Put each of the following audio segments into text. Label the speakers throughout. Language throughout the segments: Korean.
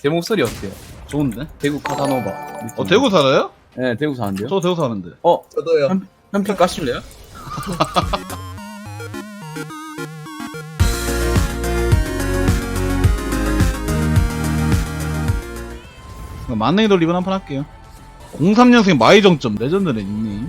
Speaker 1: 제 목소리 어때요?
Speaker 2: 좋은데?
Speaker 1: 대구 카사노바.
Speaker 2: 대구 살아요?
Speaker 1: 네, 대구 사는데요?
Speaker 2: 저 대구 사는데.
Speaker 3: 저도요.
Speaker 1: 현피 까실래요?
Speaker 2: 만능이 돌리고 한판 할게요. 03년생 마이정점 레전드네 닉네임.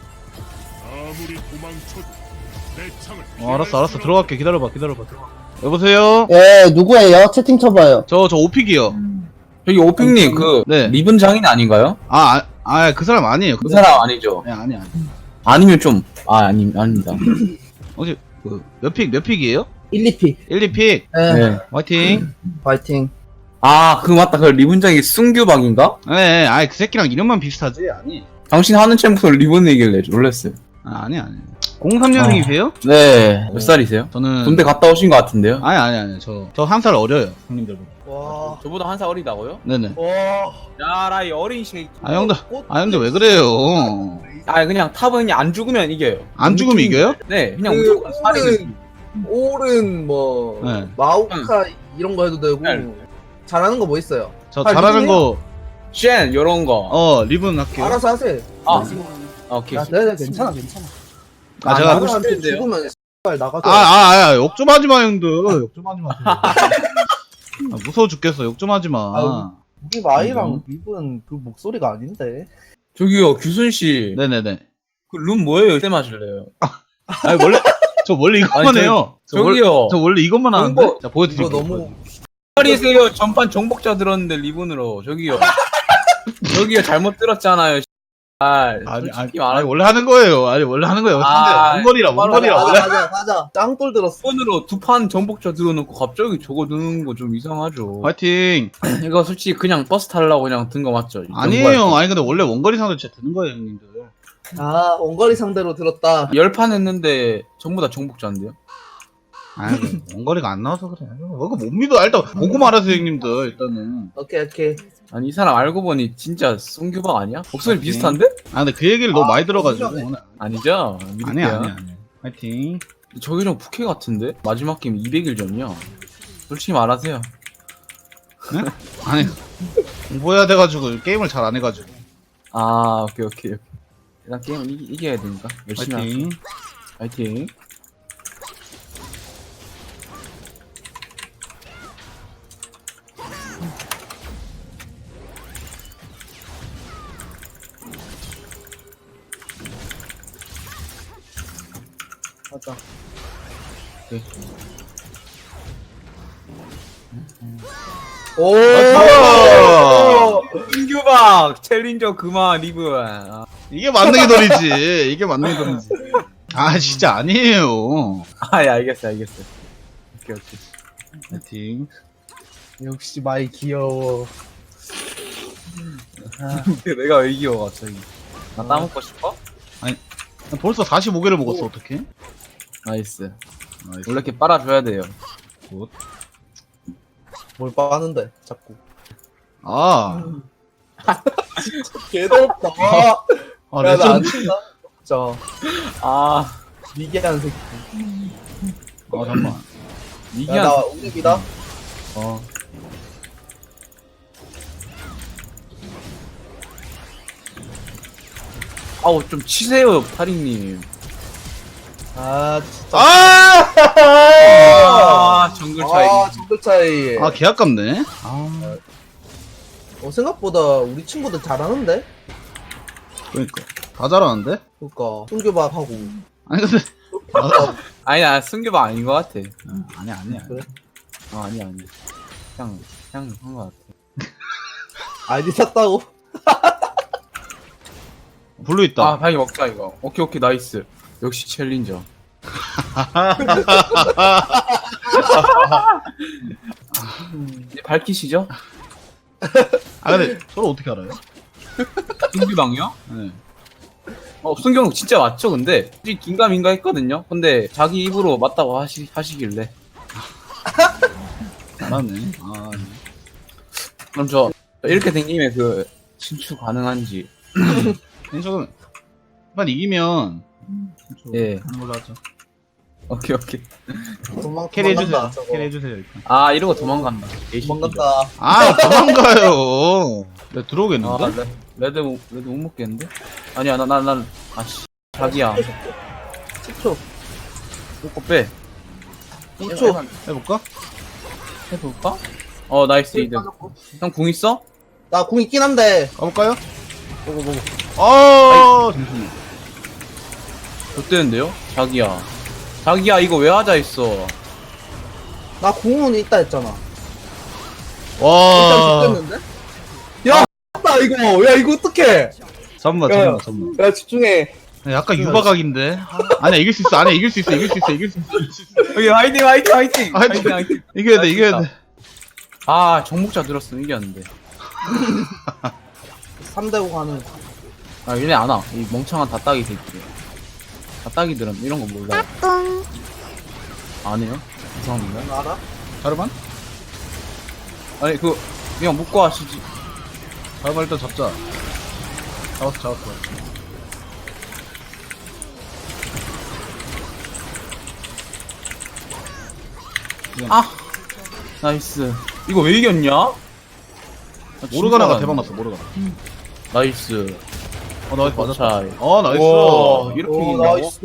Speaker 2: 알았어 들어갈게. 기다려봐. 여보세요?
Speaker 4: 예, 누구예요? 채팅 쳐봐요.
Speaker 2: 저 오픽이요.
Speaker 1: 저기 오핑님 그
Speaker 2: 네.
Speaker 1: 리본 장인 아닌가요?
Speaker 2: 그 사람 아니에요.
Speaker 1: 그 사람 아니죠?
Speaker 2: 네, 아니.
Speaker 1: 아니면 좀 아닙니다.
Speaker 2: 어제 몇 픽이에요?
Speaker 4: 1, 2픽.
Speaker 2: 1, 2픽.
Speaker 4: 예,
Speaker 1: 네.
Speaker 2: 화이팅.
Speaker 4: 파이팅.
Speaker 1: 그 맞다. 그 리본 장이 순규박인가?
Speaker 2: 네, 그 새끼랑 이름만 비슷하지? 아니.
Speaker 1: 당신 하는 챔프는 리본이길래 놀랬어요.
Speaker 2: 아니. 03년생이세요?
Speaker 1: 네. 몇 살이세요?
Speaker 2: 저는
Speaker 1: 군대 갔다 오신 것 같은데요?
Speaker 2: 아니. 저 한 살 어려요, 형님들보다.
Speaker 4: 와,
Speaker 1: 저보다 한 살 어리다고요?
Speaker 2: 네네.
Speaker 4: 와.
Speaker 1: 야라 이 어린 새끼.
Speaker 2: 형들 왜 그래요?
Speaker 1: 그냥 탑은 그냥 안 죽으면 이겨요.
Speaker 2: 안 죽으면 이겨요?
Speaker 1: 네, 그냥
Speaker 3: 그
Speaker 1: 무조건 살이
Speaker 3: 오른 뭐
Speaker 2: 네.
Speaker 3: 마우카 이런 거 해도 되고
Speaker 1: 네.
Speaker 3: 잘하는 거 뭐 있어요?
Speaker 2: 저 잘하는 거,
Speaker 1: 쉔 요런 거.
Speaker 2: 리본 할게요.
Speaker 3: 알아서 하세요.
Speaker 1: 오케이.
Speaker 3: 네네 괜찮아.
Speaker 2: 제가
Speaker 1: 하고
Speaker 3: 나한테
Speaker 1: 싶은데요?
Speaker 3: 죽으면 X발 나가죠.
Speaker 2: 욕 좀 하지 마, 형들. 욕 좀 하지 마. 무서워 죽겠어. 욕 좀 하지 마.
Speaker 3: 아유. 우리 마이랑 립은 그 목소리가 아닌데.
Speaker 1: 저기요, 규순 씨.
Speaker 2: 네네네.
Speaker 1: 그 룸 뭐예요? 때 마실래요?
Speaker 2: 저 원래 이것만
Speaker 1: 아니,
Speaker 2: 해요.
Speaker 1: 저기요.
Speaker 2: 저 원래 이것만 하는데.
Speaker 1: 홍보-
Speaker 2: 자, 보여드릴게요.
Speaker 3: 이거 너무
Speaker 1: 기다리세요. 전판 정복자 들었는데 리본으로. 저기요. 저기요, 잘못 들었잖아요. 솔직히 말하면
Speaker 2: 원래 하는 거예요. 원래 하는 거예요. 원거리라. 원래.
Speaker 3: 가자. 짱돌 들었어.
Speaker 1: 리본으로 두 판 정복자 들어놓고 갑자기 저거 드는 거 좀 이상하죠.
Speaker 2: 화이팅.
Speaker 1: 이거 솔직히 그냥 버스 타려고 그냥 든 거 맞죠?
Speaker 2: 아니에요. 근데 원래 원거리 상대 진짜 드는 거예요, 형님들.
Speaker 3: 원거리 상대로 들었다.
Speaker 1: 10판 했는데 전부 다 정복자인데요?
Speaker 2: 원거리가 안 나와서 그래. 못 믿어. 일단 보고 말하세요, 형님들. 일단은.
Speaker 3: 오케이.
Speaker 1: 아니 이 사람 알고 보니 진짜 송규박 아니야? 목소리
Speaker 2: 오케이.
Speaker 1: 비슷한데?
Speaker 2: 근데 그 얘기를 너무 많이 들어가지고.
Speaker 3: 진짜네.
Speaker 2: 오늘.
Speaker 1: 아니죠?
Speaker 2: 아니야. 화이팅.
Speaker 1: 저기 좀 부캐 같은데? 마지막 게임 200일 전이야. 솔직히 말하세요.
Speaker 2: 아니, 공부해야 돼가지고, 게임을 잘 안 해가지고.
Speaker 1: 오케이. 일단 게임은 이겨야 되니까 열심히
Speaker 2: 화이팅.
Speaker 1: 하세요. 화이팅.
Speaker 3: 가자. 오.
Speaker 1: 송규박 챌린저 그만 리브.
Speaker 2: 이게 만능이 돌이지. 이게 만능이 돌이지. 진짜 아니에요.
Speaker 1: 예, 알겠어. 오케이.
Speaker 2: 화이팅.
Speaker 3: 역시 마이 귀여워.
Speaker 1: 내가 왜 이겨 갑자기? 나 따먹고 싶어?
Speaker 2: 벌써 45개를 먹었어, 어떡해?
Speaker 1: 나이스. 원래 이렇게 빨아줘야 돼요.
Speaker 2: 굿.
Speaker 3: 뭘 빠는데 자꾸. 개덥다. 야나 안
Speaker 2: 레전드.
Speaker 3: 친다. 진짜 미개한 새끼.
Speaker 2: 잠깐만.
Speaker 1: 이기한.
Speaker 3: 야나 우립이다.
Speaker 1: 좀 치세요, 파링님.
Speaker 3: 진짜.
Speaker 1: 정글 차이.
Speaker 3: 정글 차이.
Speaker 2: 개 아깝네.
Speaker 3: 생각보다 우리 친구들 잘하는데?
Speaker 2: 그러니까. 다 잘하는데?
Speaker 3: 그니까 송교박 하고.
Speaker 2: 아니, 근데.
Speaker 1: 나 승규박 아닌 것 같아.
Speaker 2: 아니야.
Speaker 3: 그래?
Speaker 1: 아니야. 그냥 한 것 같아.
Speaker 3: 아이디 샀다고?
Speaker 2: 블루 있다.
Speaker 1: 방이 먹자, 이거. 오케이, 나이스. 역시 챌린저. 이제 밝히시죠?
Speaker 2: 근데 서로 어떻게 알아요?
Speaker 1: 승규방이요?
Speaker 2: 네.
Speaker 1: 승규방 진짜 맞죠, 근데? 솔직히 긴가민가 했거든요? 근데 자기 입으로 맞다고 하시길래.
Speaker 2: 잘하네.
Speaker 1: 그럼 저 이렇게 된 김에 신축 가능한지.
Speaker 2: 저는, 한 이기면,
Speaker 1: 예.
Speaker 2: 하는 걸로 하죠.
Speaker 1: 오케이 오케이.
Speaker 2: 캐리 해주세요.
Speaker 3: 도망간다, 저거.
Speaker 2: 캐리 해주세요. 일단.
Speaker 1: 아 이러고 도망간다.
Speaker 3: 도망간다.
Speaker 2: 아 도망가요. 내가 들어오겠는데?
Speaker 1: 아 레드 못 먹겠는데? 아니야 난 아씨 자기야.
Speaker 3: 10초.
Speaker 1: 꼬꼬 빼.
Speaker 3: 2초.
Speaker 2: 해볼까?
Speaker 1: 해볼까? 나이스 이득. 형 궁 있어?
Speaker 3: 나 궁 있긴 한데.
Speaker 2: 가볼까요?
Speaker 1: 보고.
Speaker 2: 잠시만요.
Speaker 1: 좋대는데요? 자기야 이거 왜 하자 했어?
Speaker 3: 나 궁은 있다 했잖아.
Speaker 2: 와.
Speaker 3: 일단 죽겠는데? 야, 나 이거. 야, 이거 어떡해?
Speaker 2: 잠깐만.
Speaker 3: 야, 집중해.
Speaker 2: 약간 유바각인데. 아니야 이길 수 있어. 이길 수 있어.
Speaker 1: 오케이 화이팅.
Speaker 2: 화이팅. 이겨야 돼.
Speaker 1: 아 정복자 들었으면 이겼는데.
Speaker 3: 3대5 가는.
Speaker 1: 아 얘네 안 와. 이 멍청한 다따기 새끼. 다따기들은 이런 거 몰라요. 안 해요? 이상한데?
Speaker 3: 너 알아?
Speaker 2: 자르반?
Speaker 1: 아니 그냥 묶고 하시지.
Speaker 2: 자르반 일단 잡자. 잡았어.
Speaker 1: 아 나이스. 이거 왜 이겼냐? 아,
Speaker 2: 모르가나가
Speaker 1: 진짜
Speaker 2: 대박 났어. 모르가나.
Speaker 1: 나이스.
Speaker 2: 나이스 맞았다.
Speaker 1: 차이.
Speaker 2: 나이스.
Speaker 1: 와, 이렇게
Speaker 3: 오,
Speaker 1: 이긴다고?
Speaker 3: 나이스.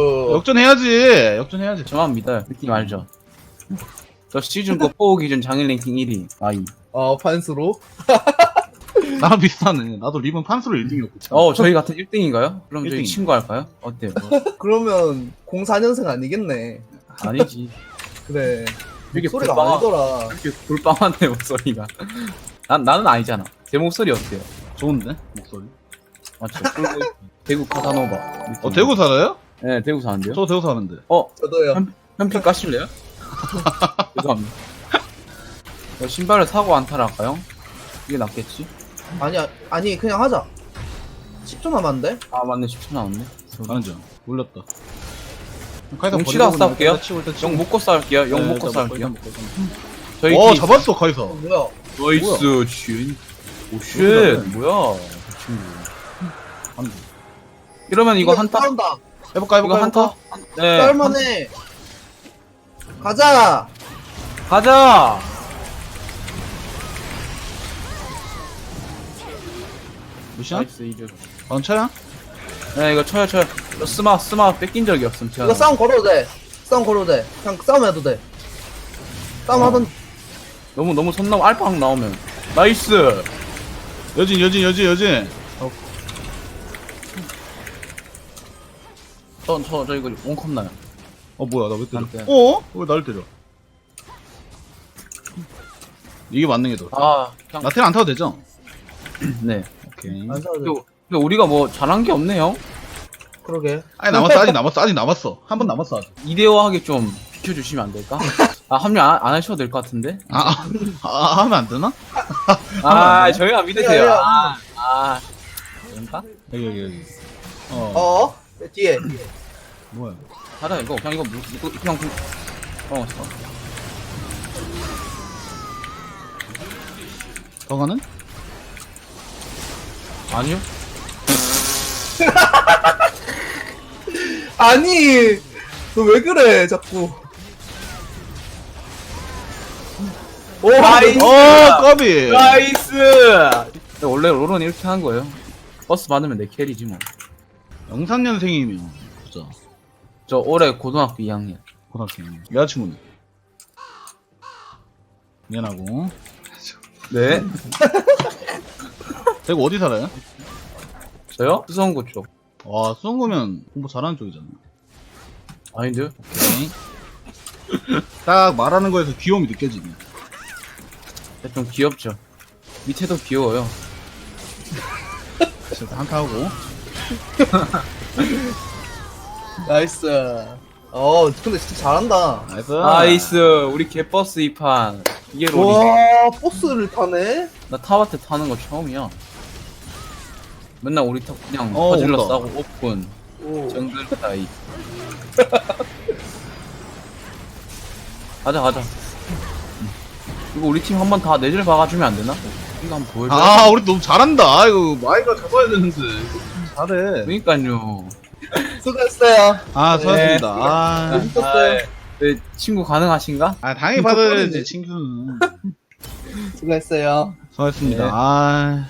Speaker 2: 역전해야지.
Speaker 1: 저만 믿어요. 느낌 알죠? 저 시즌 거 뽑기 전 장일 랭킹 1위. 아이.
Speaker 3: 판수로?
Speaker 2: 나랑 비슷하네. 나도 리본 판수로 1등이었고.
Speaker 1: 저희 같은 1등인가요? 그럼 저희
Speaker 2: 1등이요.
Speaker 1: 친구 할까요? 어때요?
Speaker 3: 그러면 04년생 아니겠네.
Speaker 1: 아니지.
Speaker 3: 그래.
Speaker 1: 이렇게
Speaker 3: 소리가
Speaker 1: 불빵-
Speaker 3: 아니더라.
Speaker 1: 이렇게 불빵한데 목소리가. 나는 아니잖아. 제 목소리 어때요?
Speaker 2: 좋은데? 목소리.
Speaker 1: 맞죠? 대구 카사노바.
Speaker 2: 대구 살아요?
Speaker 1: 네, 대구 사는데요.
Speaker 2: 저 대구 사는데.
Speaker 3: 저도요.
Speaker 1: 현피 까실래요? 죄송합니다. 신발을 사고 안타를 할까요? 이게 낫겠지?
Speaker 3: 아니, 그냥 하자. 10초 남았는데?
Speaker 1: 아 맞네 10초 남았네.
Speaker 2: 가는 중. 올렸다.
Speaker 1: 용 치다 싸울게요.
Speaker 2: 일단
Speaker 1: 용 먹고 싸울게요. 용 먹고 싸울게요. 저희
Speaker 2: 와
Speaker 1: 팀
Speaker 2: 잡았어 카이사.
Speaker 3: 뭐야?
Speaker 1: 나이스 쥔. 오쉣 뭐야 그 친구. 이러면 이거 한타
Speaker 3: 싸운다.
Speaker 2: 해볼까
Speaker 1: 이거 한타? 네
Speaker 3: 쌀만해. 가자.
Speaker 1: 가자.
Speaker 2: 무시야?
Speaker 1: 나이스 이득.
Speaker 2: 방차야?
Speaker 1: 네 이거 쳐요. 저 스마 뺏긴 적이 없음. 제가.
Speaker 3: 이거 싸움 걸어도 돼. 그냥 싸움 해도 돼. 싸움 하던.
Speaker 1: 너무 손 넘어 알파 나오면 나이스.
Speaker 2: 여진.
Speaker 1: 저 이거 원컵 나요.
Speaker 2: 뭐야 나 왜 때려?
Speaker 1: 안 돼.
Speaker 2: 왜 나를 때려? 이게 맞는 게 더.
Speaker 1: 그냥
Speaker 2: 나텔 안 타도 되죠?
Speaker 1: 네.
Speaker 2: 오케이.
Speaker 3: 안 싸워도 돼.
Speaker 1: 근데 우리가 뭐 잘한 게 없네요.
Speaker 3: 그러게.
Speaker 2: 아직 남았어. 한 번 남았어 아직.
Speaker 1: 이대호하게 좀 비켜주시면 안 될까? 합류 안 하셔도 될 것 같은데?
Speaker 2: 하면 안 되나?
Speaker 1: 저희가 믿으세요. 그런가?
Speaker 2: 여기.
Speaker 3: 뒤에.
Speaker 2: 뭐야?
Speaker 1: 하다 이거 그냥 그냥
Speaker 2: 더 가는?
Speaker 1: 아니요.
Speaker 3: 아니, 너 왜 그래, 자꾸.
Speaker 1: 나이스!
Speaker 2: 까비!
Speaker 1: 나이스! 원래 롤은 이렇게 하는 거예요. 버스 받으면 내 캐리지 뭐.
Speaker 2: 03년생이면 보자.
Speaker 1: 저 올해 고등학교 2학년.
Speaker 2: 고등학생. 여자친구는? 미안하고.
Speaker 1: 네.
Speaker 2: 대구 어디 살아요?
Speaker 1: 저요? 수성구 쪽.
Speaker 2: 와, 수성구면 공부 잘하는 쪽이잖아.
Speaker 1: 아닌데요?
Speaker 2: 오케이. 딱 말하는 거에서 귀여움이 느껴지네.
Speaker 1: 좀 귀엽죠. 밑에도 귀여워요.
Speaker 2: 진짜 한타 하고.
Speaker 3: 나이스. 근데 진짜 잘한다.
Speaker 2: 나이스.
Speaker 1: 나이스. 우리 개버스 2판. 이게 롤이.
Speaker 3: 와, 버스를 타네?
Speaker 1: 나 타바트 타는 거 처음이야. 맨날 우리 타 그냥
Speaker 2: 어,
Speaker 1: 퍼질러
Speaker 2: 온다.
Speaker 1: 싸고 오픈
Speaker 3: 오.
Speaker 1: 정글 따위. 가자. 이거 우리 팀 한번 다 내질 박아주면 안 되나? 이거 한번 보여줘.
Speaker 2: 우리 너무 잘한다. 이거 마이가 잡아야 되는데. 잘해.
Speaker 1: 그러니까요.
Speaker 3: 수고했어요.
Speaker 2: 아, 수고하셨습니다.
Speaker 3: 네.
Speaker 2: 아,
Speaker 3: 재밌었어요.
Speaker 1: 네, 친구 가능하신가?
Speaker 2: 당연히 받아야지, 친구는.
Speaker 3: 수고했어요.
Speaker 2: 수고하셨습니다.
Speaker 1: 네.
Speaker 2: 아,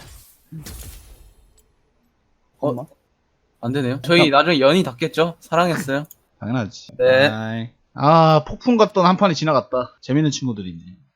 Speaker 1: 어? 안 되네요. 저희 나중에 연이 닿겠죠? 사랑했어요.
Speaker 2: 당연하지.
Speaker 3: 네.
Speaker 2: 아이. 아, 폭풍 같던 한 판이 지나갔다. 재밌는 친구들이네.